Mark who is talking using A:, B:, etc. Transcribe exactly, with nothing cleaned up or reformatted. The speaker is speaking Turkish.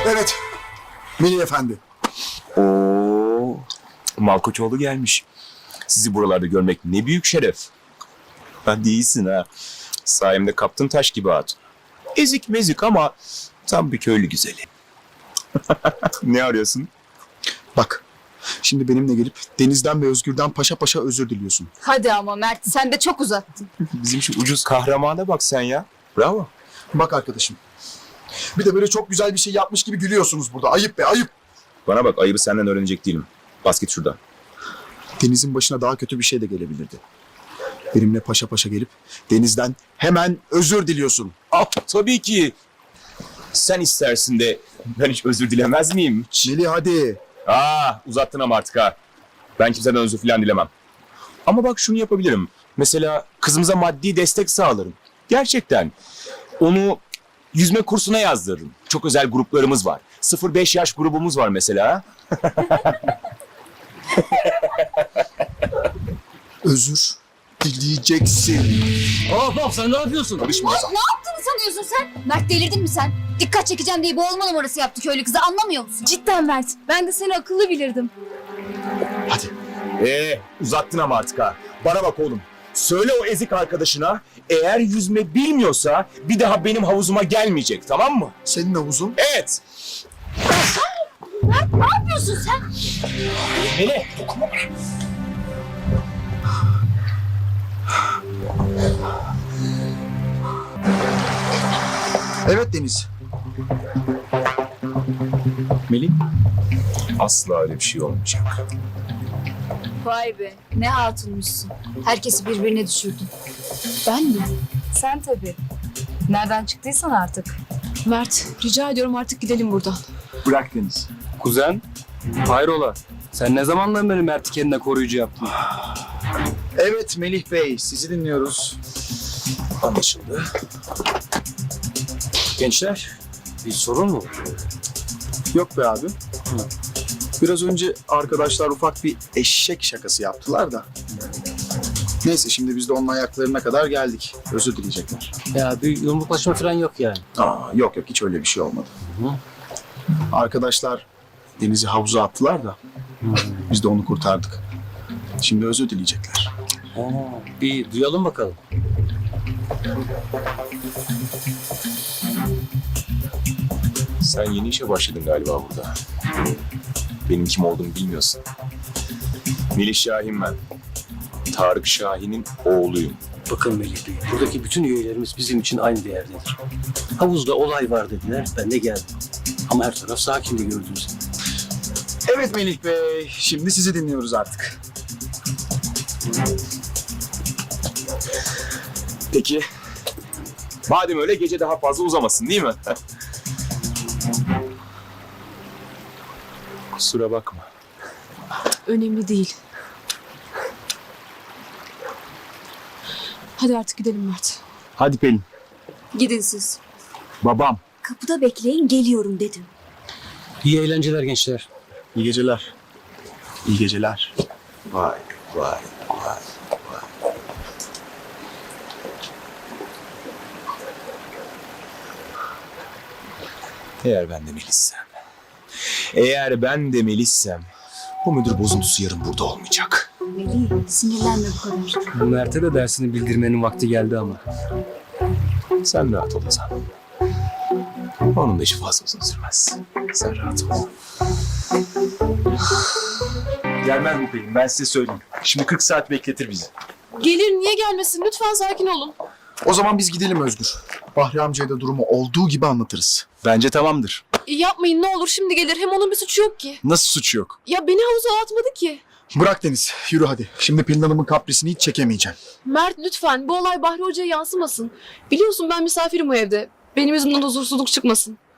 A: Evet. Melih Efendi.
B: Oo, Malkoçoğlu gelmiş. Sizi buralarda görmek ne büyük şeref. Hadi iyisin ha. Sayemde kaptın taş gibi hatun. Ezik mezik ama tam bir köylü güzeli. Ne arıyorsun?
A: Bak. Şimdi benimle gelip Deniz'den ve Özgür'den paşa paşa özür diliyorsun.
C: Hadi ama Mert, sen de çok uzattın.
B: Bizim şu ucuz kahramana bak sen ya. Bravo.
A: Bak arkadaşım. Bir de böyle çok güzel bir şey yapmış gibi gülüyorsunuz burada. Ayıp be, ayıp.
B: Bana bak, ayıbı senden öğrenecek değilim. Bas git şuradan.
A: Deniz'in başına daha kötü bir şey de gelebilirdi. Benimle paşa paşa gelip Deniz'den hemen özür diliyorsun.
B: Ah, tabii ki. Sen istersin de ben hiç özür dilemez miyim?
A: Melih hadi.
B: Aa, uzattın ama artık ha. Ben kimseden özür falan dilemem. Ama bak şunu yapabilirim. Mesela kızımıza maddi destek sağlarım. Gerçekten. Onu yüzme kursuna yazdırırım. Çok özel gruplarımız var. sıfır beş yaş grubumuz var mesela.
A: Özür dileyeceksin.
D: Hop hop sen ne yapıyorsun?
B: Karışma.
C: Ne yaptığını sanıyorsun sen? Mert delirdin mi sen? Dikkat çekeceğim diye boğulma numarası yaptı köylü kızı, anlamıyor musun?
E: Cidden Mert. Ben de seni akıllı bilirdim.
A: Hadi.
B: Ee, uzattın ama artık ha. Bana bak oğlum. Söyle o ezik arkadaşına, eğer yüzme bilmiyorsa bir daha benim havuzuma gelmeyecek, tamam mı?
A: Senin havuzun.
B: Evet.
C: Mert ne yapıyorsun sen?
B: Melih.
A: Evet Deniz.
B: Melih. Asla öyle bir şey olmayacak.
C: Vay be, ne hatunmuşsun. Herkesi birbirine düşürdün.
E: Ben mi? Sen tabii. Nereden çıktıysan artık. Mert, rica ediyorum artık gidelim buradan.
A: Bırak Deniz.
D: Kuzen, hayrola? Sen ne zamandan beri Mert'i kendine koruyucu yaptın?
A: Evet Melih Bey, sizi dinliyoruz.
B: Anlaşıldı.
D: Gençler, bir sorun mu?
A: Yok be abi. Biraz önce arkadaşlar ufak bir eşek şakası yaptılar da. Neyse şimdi biz de onun ayaklarına kadar geldik. Özür dileyecekler.
D: Ya bir yumruklaşma falan yok yani.
A: Aa, yok yok hiç öyle bir şey olmadı.
D: Hı.
A: Arkadaşlar Deniz'i havuza attılar da biz de onu kurtardık. Şimdi özür dileyecekler.
D: Ha, bir duyalım bakalım.
B: Sen yeni işe başladın galiba burada. Benim kim olduğumu bilmiyorsun. Melih Şahin ben. Tarık Şahin'in oğluyum.
D: Bakın Melih Bey, buradaki bütün üyelerimiz bizim için aynı değerdedir. Havuzda olay var dediler, ben de geldim. Ama her taraf sakindi gördünüz.
A: Evet Melih Bey, şimdi sizi dinliyoruz artık.
B: Peki. Madem öyle gece daha fazla uzamasın değil mi? Kusura bakma.
E: Önemli değil. Hadi artık gidelim Mert.
B: Hadi Pelin.
C: Gidin siz.
B: Babam.
C: Kapıda bekleyin, geliyorum dedim.
D: İyi eğlenceler gençler.
A: İyi geceler. İyi geceler.
B: Vay vay vay. Eğer ben de Melis'sem, eğer ben de Melis'sem, bu müdür bozuntusu yarın burada olmayacak.
C: Melih, sinirlenme bu kadar.
D: Mert'e de dersini bildirmenin vakti geldi ama.
B: Sen rahat ol Ozan. Onun da işi fazla uzun sürmez. Sen rahat ol. Gelmez mi Pelin? Ben size söyleyeyim. Şimdi kırk saat bekletir bizi.
E: Gelir, niye gelmesin? Lütfen sakin olun.
A: O zaman biz gidelim Özgür. Bahri amcaya da durumu olduğu gibi anlatırız.
B: Bence tamamdır.
E: E, yapmayın ne olur, şimdi gelir. Hem onun bir suçu yok ki.
A: Nasıl suç yok?
E: Ya beni havuza atmadı ki.
A: Bırak Deniz, yürü hadi. Şimdi Pelin Hanım'ın kaprisini hiç çekemeyeceğim.
E: Mert lütfen, bu olay Bahri Hoca'ya yansımasın. Biliyorsun ben misafirim o evde. Benim yüzümden huzursuzluk çıkmasın.